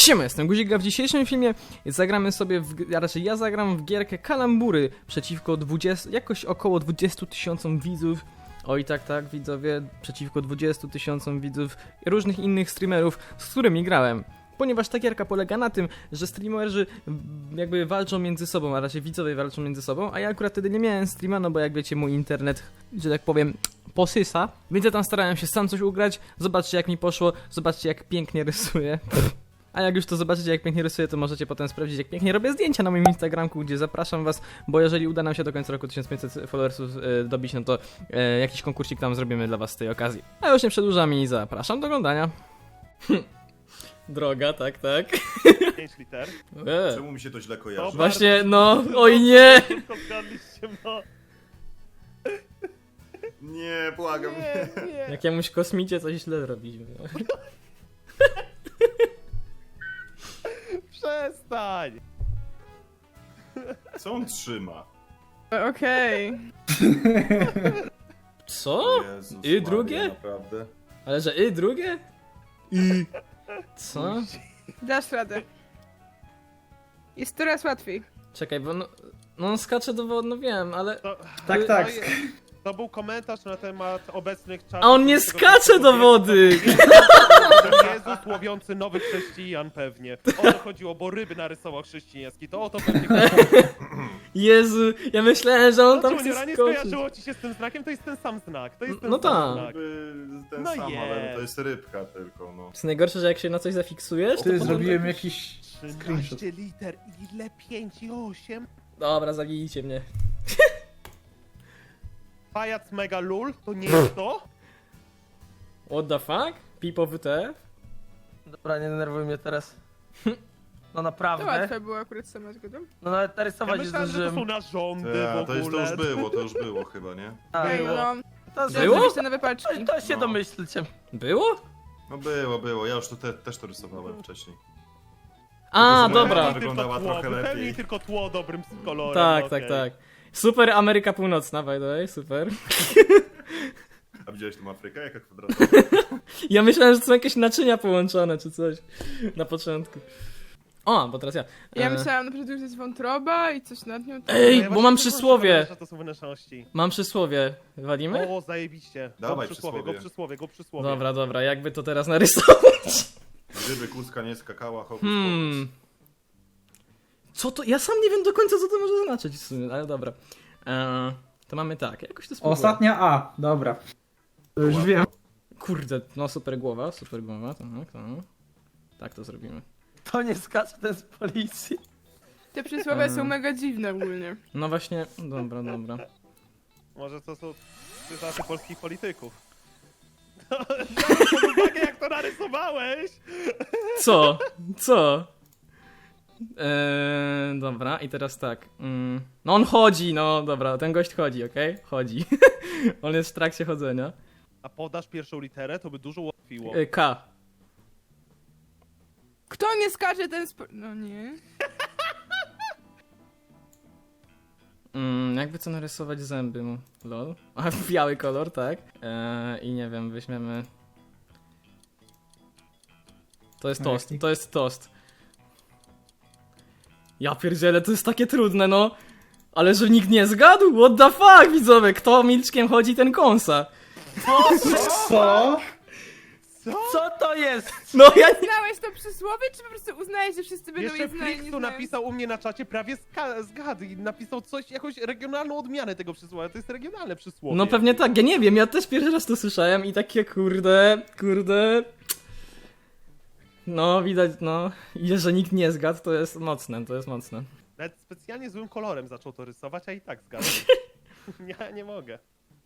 Siema, jestem Guzik, a w dzisiejszym filmie zagramy sobie, a raczej ja zagram w gierkę Kalambury przeciwko jakoś około 20 000 widzów. Oj tak, widzowie, przeciwko 20 000 widzów i różnych innych streamerów, z którymi grałem. Ponieważ ta gierka polega na tym, że streamerzy jakby walczą między sobą, a raczej widzowie walczą między sobą, a ja akurat wtedy nie miałem streama, no bo jak wiecie, mój internet, że tak powiem, posysa. Więc ja tam starałem się sam coś ugrać, zobaczcie jak mi poszło, zobaczcie jak pięknie rysuję. A jak już to zobaczycie jak pięknie rysuję, to możecie potem sprawdzić jak pięknie robię zdjęcia na moim Instagramku, gdzie zapraszam was, bo jeżeli uda nam się do końca roku 1500 followersów dobić, no to jakiś konkursik tam zrobimy dla was z tej okazji. A już nie przedłużam i zapraszam do oglądania. Droga, tak. 5 liter. Czemu mi się to źle kojarzy? Właśnie, no, oj nie! Tylko zgadliście, no. Nie, błagam, nie. Jakiemuś kosmicie coś źle zrobiliśmy. Przestań! Co on trzyma? Okej. Co? Jezus I Maria, drugie? Naprawdę? Ale że drugie? Co? Dasz radę. Jest coraz łatwiej. Czekaj, bo no on skacze do wody, no wiem, ale... To, Tak. to był komentarz na temat obecnych czasów. A on nie skacze do wody! Jezus łowiący nowych chrześcijan pewnie. O to chodziło, bo ryby narysował chrześcijański. To o to pewnie chodziło. Jezu, ja myślałem, że on tam Junior, chce a nie skoczyć. skojarzyło ci się z tym znakiem? To jest ten sam znak. To jest ten No sam tak. znak. Ten No sam, ale jest. to jest rybka tylko, no. jest najgorsze, że jak się na coś zafiksujesz, to Ty potem... zrobiłem jakiś 13 screenshot. liter, ile 5 i 8? Dobra, zabijcie mnie. Pajac mega lul, to nie jest to? What the fuck? Pipo WTF? Dobra, nie denerwuj mnie teraz. No To naprawdę. łatwe było akurat sama zgodą. No nawet Ja narysować nie myślałem, że to są zdążyłem. narządy w To już ogóle. było chyba, nie? A, Ej, było. no. To, Było? Zrobić te nowe paczki. to się No. domyślcie. Było? No było, ja już to też to rysowałem wcześniej. A, Tylko, że dobra. moja wyglądała trochę lepiej. Wypełnij tylko tło dobrym kolorem. Tak, okej. tak. Super Ameryka Północna, by the way, super. A widziałeś tą Afrykę? Jaka kwadratowa? Ja myślałem, że to są jakieś naczynia połączone, czy coś. Na początku. O, bo teraz ja. Ja myślałam na przykład, że jest wątroba i coś nad nią. Ej, Ja bo właśnie mam też przysłowie. że to są wnętrzności. Mam przysłowie. Walimy? O, zajebiście. Dawaj Go przysłowie. Dobra, jakby to teraz narysować? Gdyby kuska nie skakała, hokus Co to? Ja sam nie wiem do końca, co to może znaczyć w sumie, ale dobra. To mamy tak, jakoś to spróbuję. Ostatnia A, dobra. To już wiem. Kurde, no super głowa, tak. Tak to zrobimy. To nie skacze ten z policji. Te przysłowie są mega dziwne ogólnie. No właśnie, dobra. Może to są cytaty polskich polityków. Biorąc pod uwagę, jak to narysowałeś! Co? Dobra, i teraz tak. No on chodzi, no dobra, ten gość chodzi, okej? Chodzi. On jest w trakcie chodzenia. A podasz pierwszą literę, to by dużo ułatwiło. K. Kto nie skacze, ten No nie. Jakby co narysować zęby mu? Lol. A biały kolor, tak? I nie wiem, weźmiemy... To jest tost. Ja pierdzielę, to jest takie trudne, no. Ale że nikt nie zgadł? What the fuck, widzowie? Kto milczkiem chodzi, ten kąsa. Co? Co to jest? No ja nie... Znałeś to przysłowie, czy po prostu uznałeś, że wszyscy będą Jeszcze je znali? Flixu napisał u mnie na czacie prawie zgadł i napisał coś, jakąś regionalną odmianę tego przysłowia. To jest regionalne przysłowie. No pewnie tak, ja nie wiem, ja też pierwszy raz to słyszałem i takie kurde... No, widać, no, i że nikt nie zgadł, to jest mocne. Nawet specjalnie złym kolorem zaczął to rysować, a i tak zgadł. Ja nie mogę.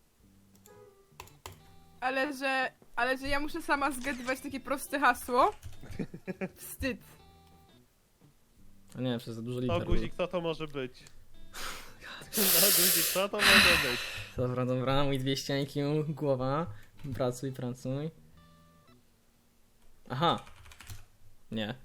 Ale że ja muszę sama zgadywać takie proste hasło? Wstyd. A nie, przez za dużo No liter. guzik, co to może być? No guzik, co to może być? Dobra, mój 200 IQ, głowa. Pracuj. Aha. Nie.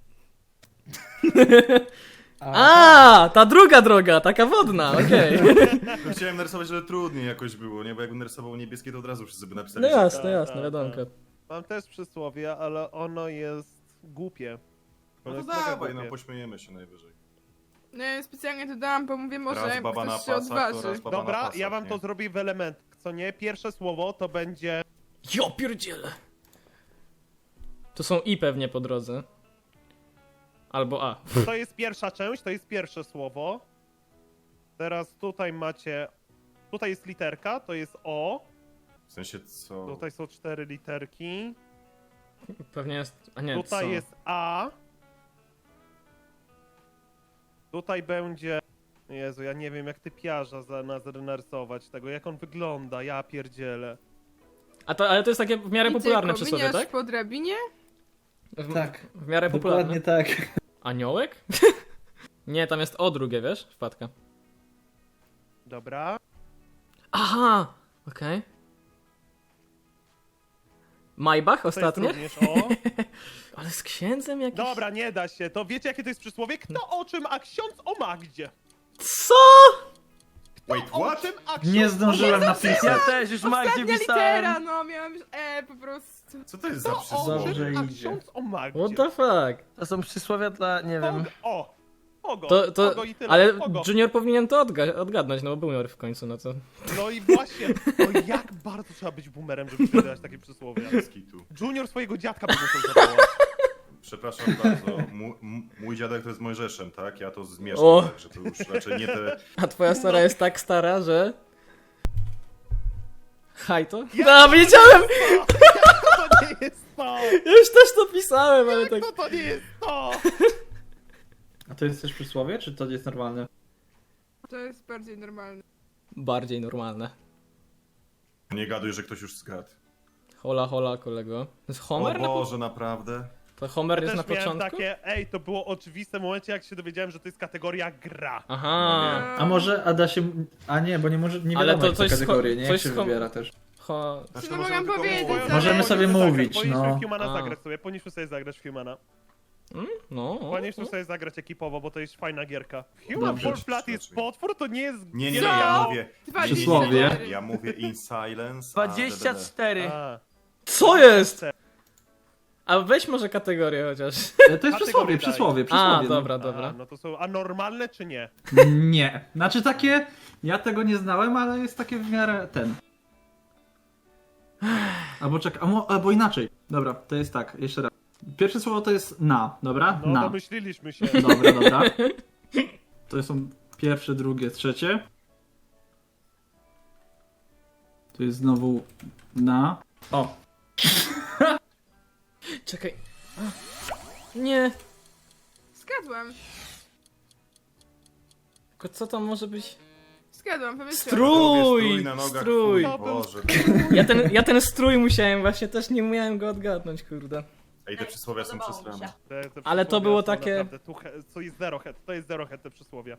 A, ta druga droga, taka wodna, okej. No, chciałem narysować, ale trudniej jakoś było, nie? Bo jakbym narysował niebieskie, to od razu wszyscy by napisali, No że jasne, tak, wiadomka. Mam też przysłowie, ale ono jest głupie. To No jest to mega dawaj, no głupie. pośmiejemy się najwyżej. No ja specjalnie to dałam, bo mówię, może Raz baba na ktoś się pasach, to odważy. raz baba na Dobra, pasach, ja wam nie? to zrobię w elementach, co nie? Pierwsze słowo to będzie... Jo pierdziele. To są i pewnie po drodze. Albo A. To jest pierwsza część, to jest pierwsze słowo. Teraz tutaj macie... Tutaj jest literka, to jest O. W sensie co? Tutaj są 4 literki. Pewnie jest... A nie, Tutaj co? jest A. Tutaj będzie... Jezu, ja nie wiem jak typiarza za nas narysować tego, jak on wygląda, ja pierdzielę. Ale to jest takie w miarę I popularne tylko przysłowie, miniasz tak? po drabinie? Tak. W miarę popularne. Dokładnie tak. Aniołek? Nie, tam jest O drugie, wiesz? Wpadka. Dobra. Aha! Okej. Maybach To jest ostatnie? również O. Ale z księdzem jakiś... Dobra, nie da się. To wiecie jakie to jest przysłowie? Kto o czym, a ksiądz o Magdzie? Co? Wait, O what? czym, a ksiądz Nie zdążyłem o napisać. Ja też już Magdzie Ostatnia pisałem. litera, no miałam już po prostu. Co to jest za Kto o przysłowie? czym, a Dobrze idzie. ksiądz o Magdzie? What the fuck? To są przysłowia dla, nie wiem. Ogo, To, ogo i tyle. ale Ogo. Junior powinien to odgadnąć, no bo był Junior w końcu, no to... No i właśnie, no jak bardzo trzeba być boomerem, żeby wydawać takie przysłowie. Bez kitu. Junior swojego dziadka by musiał zawołać. Przepraszam bardzo, mój dziadek to jest Mojżeszem, tak? Ja to O. zmieszczę, także to już raczej nie te... A twoja stara jest tak stara, że... Haj to? No, wiedziałem! To nie jest to! Ja już też to pisałem, ale tak... To nie jest to! A to jest też przysłowie, czy to jest normalne? To jest bardziej normalne. Bardziej normalne. Nie gaduj, że ktoś już zgadł. Hola, hola, kolego. To jest Homer? O Boże, naprawdę? To Homer jest Też na miałem początku? takie, to było oczywiste w momencie, jak się dowiedziałem, że to jest kategoria gra. Aha. A może, a da się... A nie, bo nie może, nie Ale wiadomo to jak coś te z kategorie, nie? Jak coś się z wybiera też. Znaczy, No możemy mogę tylko powiedzieć, mówić. ale- Możemy sobie mówić, Powinniśmy no. w Humana A. zagrać sobie, powinniśmy sobie zagrać w Humana. No. Powinniśmy sobie zagrać ekipowo, bo to jest fajna gierka. Human Dobrze. Fall Flat jest potwór, to nie jest... Nie, Co? ja mówię... Przysłowie. Ja mówię in silence, 24. A, Co jest? A weź może kategorię chociaż. To jest przysłowie, Kategorii przysłowie, A, przysłowie. dobra, a, dobra. no to są anormalne czy nie? No. Nie. Znaczy takie... Ja tego nie znałem, ale jest takie w miarę ten. Albo czekaj, albo inaczej. Dobra, to jest tak, jeszcze raz. Pierwsze słowo to jest na, dobra? No Na. domyśliliśmy się. Dobra, dobra. To są pierwsze, drugie, trzecie. Tu jest znowu na. O, Czekaj. A. Nie. Zgadłam. Tylko co tam może być? Zgadłam, powiedziałam. Strój na nogach, Strój. twój, Boże. Ja ten strój musiałem właśnie, też nie umiałem go odgadnąć, kurde. Ej, te przysłowia są przesrane. Te Ale to przysłowia było są takie- naprawdę co jest zero head, to jest zero head te przysłowia.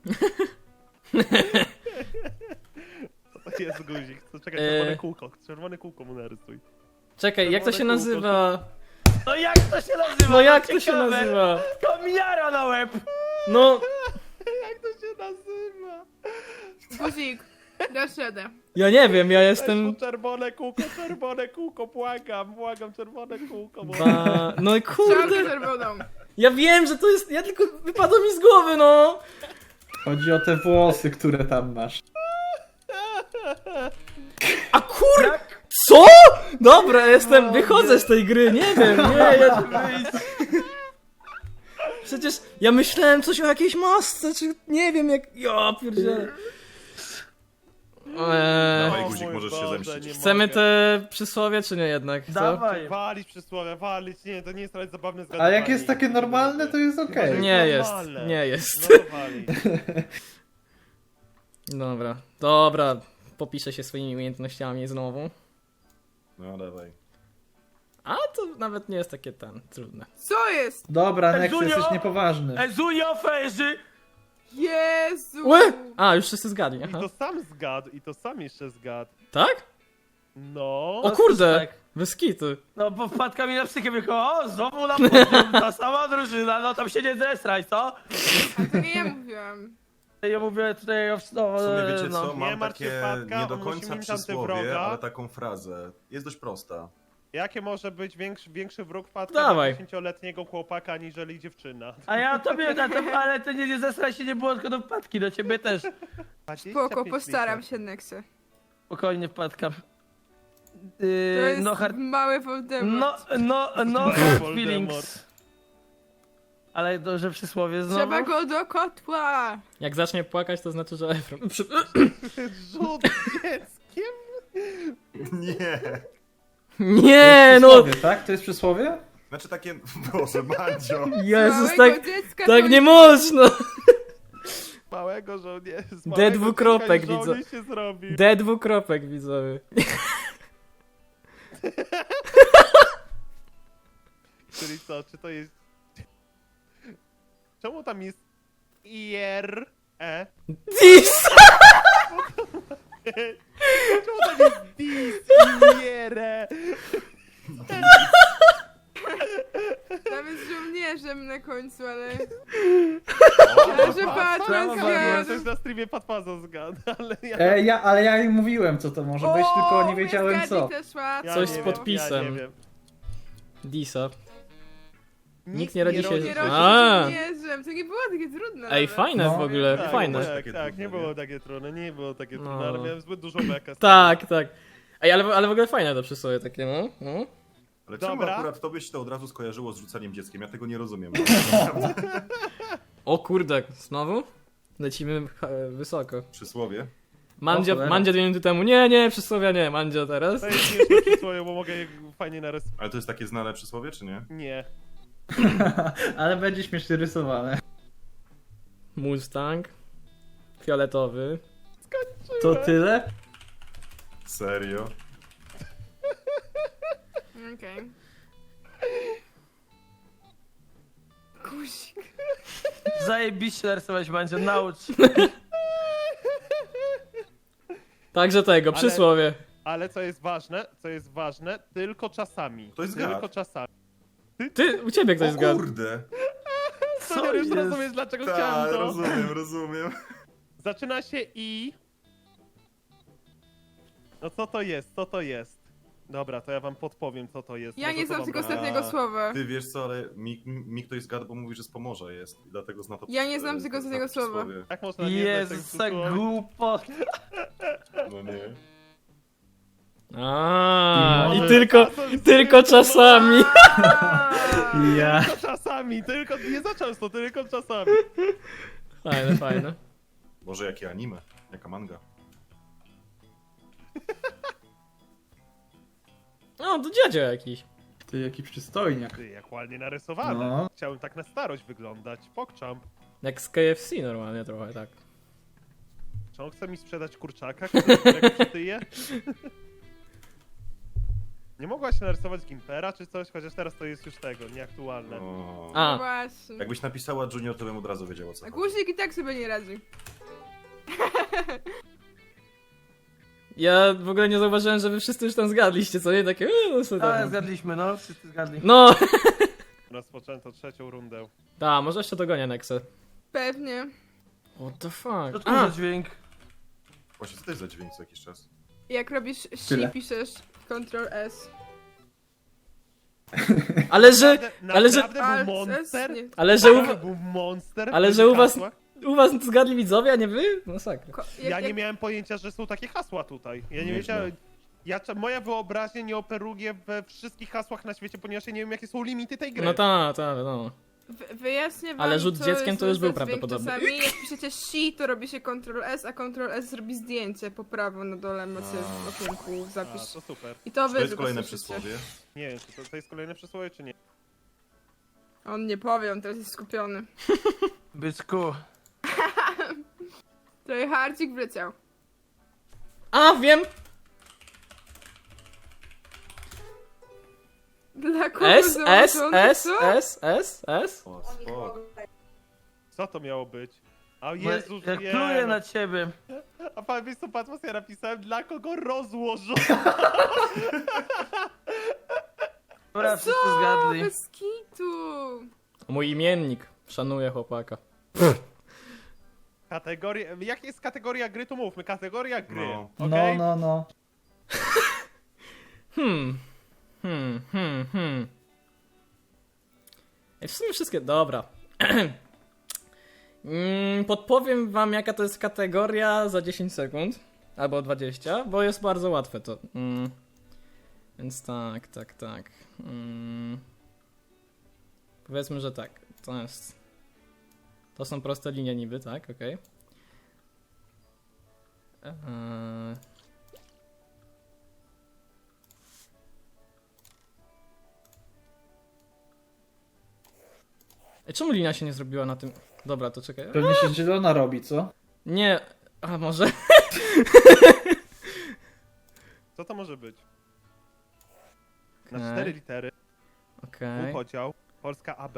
Co to jest guzik? To czekaj, czerwone kółko mu narysuj. Czekaj, jak to się Czerwone kółko. nazywa? No jak to się nazywa? No jak to się Ciekawe. nazywa? Kominiara na łeb! No, Jak to się nazywa? Guzik, dasz radę. ja nie wiem, ja Jestem... jestem... czerwone kółko, błagam, czerwone kółko. No i Czarkę kurde, czerwoną. ja wiem, że to jest... Ja tylko wypadło mi z głowy, no! chodzi o te włosy, które tam masz. A kur... Jak? Co? Dobra, wychodzę z tej gry, nie wiem, nie, ja... Przecież ja myślałem coś o jakiejś masce, czy nie wiem jak... Ja pierdzielę. Dawaj, O guzik, mój możesz się Boże, zemścić. nie Chcemy mogę. te przysłowie, czy nie jednak? Co? Dawaj. Walić przysłowie, walić, nie, to nie jest nawet zabawne A zgadywanie. jak jest takie normalne, to jest okej. Nie jest, normalne. nie jest. No to walić. Dobra, popiszę się swoimi umiejętnościami znowu. No dawaj. A to nawet nie jest takie trudne. Co jest? Dobra, Nex, Junio! jesteś niepoważny. Ezunio ferzy! Jezu! Łe! A, już wszyscy zgadli, I aha. to sam zgadł, i to sam jeszcze zgadł. Tak? No. O kurde! tak. Bez kitu. No bo wpadka mi na psychię tylko, o znowu na podium, ta sama drużyna, no tam się nie zesraj, co? A to nie ja mówiłam. Ja mówię tutaj, no, W sumie wiecie no. co, Nie mam martw się, takie Wpadka, nie do on musi końca mieć tamte przysłowie, wroga. ale taką frazę. Jest dość prosta. Jakie może być większy wróg wpadka Dawaj. dla 10-letniego chłopaka aniżeli dziewczyna? A ja tobie na to, ale ty nie zesraj się, nie było tylko do wpadki, do ciebie też. 25 Spoko, postaram liter. się, Nexy. Spokojnie wpadka. To jest No hard... mały Voldemort. No Voldemort. feelings. Ale dobrze przysłowie znowu. Trzeba go do kotła! Jak zacznie płakać, to znaczy, że Efron... Rzut dzieckiem? Nie. Nie, no! Przysłowie, tak? To jest przysłowie? Znaczy takie, Boże, Mandzio. Jezus, Małego tak, dziecka tak to nie można! Małego żołnierza. D dwukropek, widzę. Żołnierz się zrobił. D dwukropek, widzowie. Czyli co, czy to jest... Czemu tam jest IR? E? Dis! Czemu tam jest DIS? IR? Nawet z żołnierzem na końcu, ale... O, Ale że Brawo, Batman Coś zgadł. na streamie Patpazo zgadł, ale ja... Ale ja im mówiłem, co to może być, tylko nie wiedziałem co. Też łatwo. ja Coś nie z wiem, podpisem. Ja nie wiem. Disa. Nikt nie rodzi się- Nie rodzi A. żołnierzem, to nie było takie trudne. Ej, nawet. fajne No. w ogóle, Tak, fajne. Tak, Takie tak, trudne, nie nie? było takie trudne, nie było takie No. trudne, ale miałem zbyt dużo beka. Tak, tak. Ej, ale w ogóle fajne to przysłowie takie, no. No. Ale czemu Dobra. akurat tobie się to od razu skojarzyło z rzucaniem dzieckiem? Ja tego nie rozumiem. O kurde, znowu? Lecimy wysoko. Przysłowie. Mandzia, O cholera. Mandzia 2 minuty temu. Nie, przysłowia nie, Mandzia teraz. To jest śmieszne przysłowie, bo mogę je fajnie narysować. Ale to jest takie znane przysłowie, czy nie? Nie. Ale będzie śmiesznie rysowane. Mustang. Fioletowy. To tyle? Serio? Okej. Guzik. Zajebiście narysować będzie, naucz. Także tego, Ale- przysłowie. Ale co jest ważne, tylko czasami. To jest Tylko gad. czasami. Ty, u ciebie ktoś O zgadł. kurde. Co już jest? rozumiesz, dlaczego Tak, chciałem to? rozumiem. Zaczyna się i... No co to jest, co to jest? Dobra, to ja wam podpowiem, co to jest. Ja Może nie to znam wam tego da- ostatniego słowa. Ty wiesz co, ale mi ktoś zgadł, bo mówi, że z Pomorza jest. I dlatego zna to Ja nie znam tego zna ostatniego to słowa. przysłowie. Jak można nie znać Jezus, tego tak przysłowia? głupot. No nie. A, i może- tylko czasami. Ja. Tylko czasami, tylko nie za często, tylko czasami. Fajne, fajne. Może jakie anime? Jaka manga? No, to dziadzio jakiś. Ty jaki przystojniak. Ty, jak ładnie narysowane. No. Chciałem tak na starość wyglądać. Pokczam. Jak z KFC normalnie trochę, tak. Czy on chce mi sprzedać kurczaka, którego przytyje? Nie mogłaś narysować Gimpera czy coś? Chociaż teraz to jest już tego, nieaktualne. O. A. No właśnie. Jakbyś napisała Junior, to bym od razu wiedział o co A chodzi. guzik i tak sobie nie radzi. Ja w ogóle nie zauważyłem, że wy wszyscy już tam zgadliście, co nie? Takie, no sobie Ale tam. zgadliśmy, no, wszyscy zgadli. No! Rozpoczęto trzecią rundę. Ta, może jeszcze dogonię Nexę. Pewnie. What the fuck? To tu A, za dźwięk. Właśnie co to jest za dźwięk co jakiś czas? Jak robisz Tyle. si, piszesz Ctrl S. ale że, Naprawdę ale że- był monster? Nie. ale że Naprawdę był monster? ale w że tych u was- hasłach? u was zgadli widzowie, a nie wy? Masakra. Ja nie miałem pojęcia, że są takie hasła tutaj. Ja nie Nieźle. wiedziałem. Moja wyobraźnia nie operuje we wszystkich hasłach na świecie, ponieważ ja nie wiem, jakie są limity tej gry. No ta, no. Wyjaśnię wam, Ale rzut co dzieckiem jest to już był za dźwięk prawdopodobny. Czasami jak piszecie si, to robi się Ctrl S, a Ctrl S zrobi zdjęcie po prawo na dole macie w okienku A, zapis. to super. I to Czy wy to jest tylko kolejne słyszycie. przysłowie? Nie wiem, czy to jest kolejne przysłowie, czy nie. On nie powie, on teraz jest skupiony. Byczku. Trochę harcik wleciał. A, wiem! Dla kogo S, S, założone, S, co? S, S, S. O, spoko. Co to miało być? A Bo Jezus, jak nie, pluję no. na ciebie. A pan wiesz co, Patmos, ja napisałem, dla kogo rozłożą. Dobra, wszyscy Co? zgadli. Bez kitu. Mój imiennik. Szanuję chłopaka. Kategoria, jak jest kategoria gry, to mówmy, kategoria gry, No. okej? No. Ej, w sumie wszystkie... Dobra. Podpowiem wam, jaka to jest kategoria za 10 sekund. Albo 20, bo jest bardzo łatwe to. Więc tak. Powiedzmy, że tak. To są proste linie niby, tak? Okej. Czemu linia się nie zrobiła na tym? Dobra, to czekaj. Pewnie się zielona robi, co? Nie. A może? Co to może być? Na Okej. 4 litery, Okej. półpodział, Polska AB.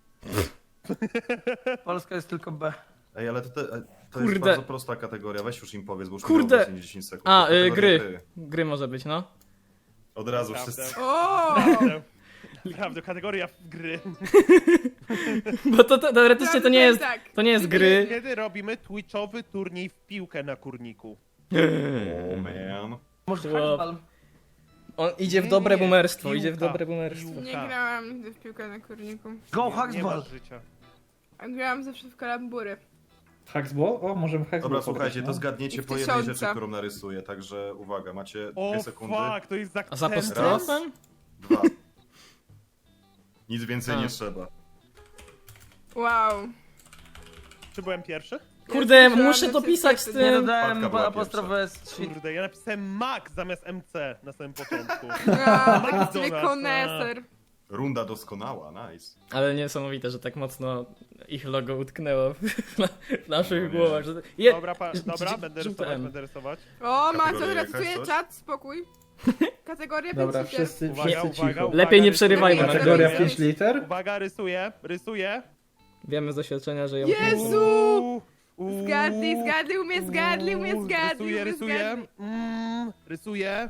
Polska jest tylko B. Ej, ale to Kurde. jest bardzo prosta kategoria, weź już im powiedz, bo już Kurde. minęło 10 sekund. A, To jest kategoria gry. Gry może być, no. Od razu Naprawdę. wszyscy. O! Naprawdę, kategoria gry. Bo to teoretycznie to nie jest. Tak. To nie jest gry. Kiedy robimy twitchowy turniej w piłkę na kurniku? O man. Może Chłop. handball. On idzie w Nie, dobre nie, boomerstwo, piłka, idzie w dobre boomerstwo. piłka. Nie grałam nigdy w piłkę na kurniku. Go Nie masz Haxball. życia. A grałam zawsze w kalambury. Haxball? O, możemy Haxball Dobra, pograć, słuchajcie, no. to zgadniecie I w po jednej 1000. rzeczy, którą narysuję, także uwaga, macie O 2 sekundy. fuck, to jest z A z akcentem. apostrofem? 2. Nic więcej A. nie trzeba. Wow. Czy byłem pierwszy? Kurde, Ja muszę słyszałam, dopisać że z Nie tym. dodałem Wpadka była apostrofę z 3. Kurde, ja napisałem Max zamiast MC na samym początku. A, taki McDonald's, sobie koneser. Runda doskonała, nice. Ale niesamowite, że tak mocno ich logo utknęło w naszych No nie. głowach. Że... Dobra, dobra, będę Żółte rysować, M. będę rysować. O, Macio, Kategoria recytuję jakaś, coś? czat, spokój. Kategoria Dobra, 5 liter. wszyscy Uwaga, cicho. uwaga, uwaga. Lepiej nie rysuję. przerywajmy, Kategoria Rysuję. 5 liter? Uwaga, rysuję. Wiemy z doświadczenia, że ją... Jezu! Uuu. Zgadli, umie zgadli. Rysuję. Rysuję.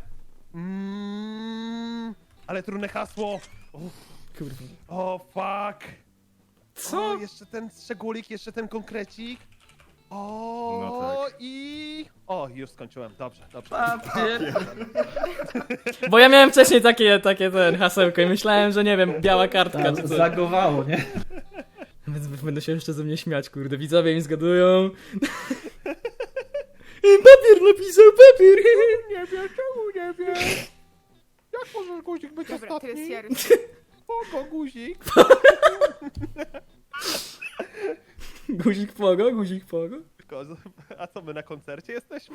Ale trudne hasło. Kurde. O, fuck. Co? O, jeszcze ten szczególik, jeszcze ten konkrecik. O, No tak. i... O, już skończyłem. Dobrze. Papier. Bo ja miałem wcześniej takie ten hasełko i myślałem, że nie wiem, biała kartka Tam czy coś. zagowało, nie? Będą się jeszcze ze mnie śmiać, kurde. Widzowie mi zgadują. Papier napisał, papier! Nie wiem, czemu nie wiem. Jak może guzik być Dobra, teraz ostatni? ja rysuję. Spoko, guzik. Guzik pogo, guzik pogo. A co, my na koncercie jesteśmy?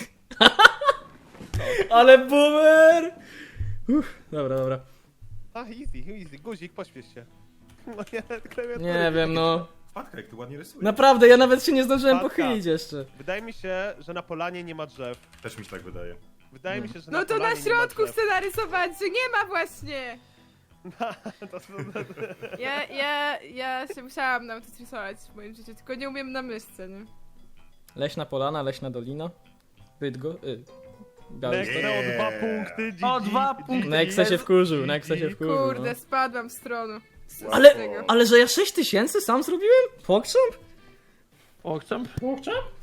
Ale boomer! Dobra. A, easy. Guzik, pośpiesz się. Moja klawiatura Nie wiem, no. Wpadka, jak ty ładnie rysujesz. Naprawdę, ja nawet się nie zdążyłem Wpadka. pochylić jeszcze. Wydaje mi się, że na polanie nie ma drzew. Też mi się tak wydaje. Wydaje mi się, że No na to polanie na środku nie ma chcę narysować, że nie ma właśnie. drzew. Ja się musiałam nauczyć rysować w moim życiu, tylko nie umiem na myszce, nie? Leśna polana, leśna dolina. Bydgo... Białystok. Next o 2 punkty. GG. O, 2 punkty. Nexa się wkurzył, Nexa się wkurzył. Kurde, No. spadłam w stronę. Ale że ja 6000 sam zrobiłem? Pokrzep? Pokczam? Kurczę?